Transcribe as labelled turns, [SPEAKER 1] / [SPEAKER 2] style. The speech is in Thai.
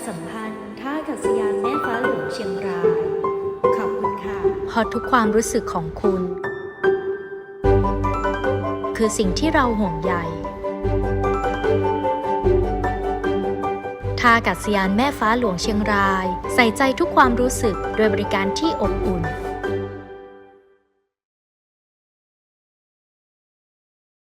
[SPEAKER 1] สัมพันธ์ท่าอากาศยานแม่ฟ้าหลวงเชียงรายขอบคุณค่ะ
[SPEAKER 2] เพราะทุกความรู้สึกของคุณ คือสิ่งที่เราห่วงใยท่าอากาศยานแม่ฟ้าหลวงเชียงรายใส่ใจทุกความรู้สึกโดยบริการที่อบอุ่น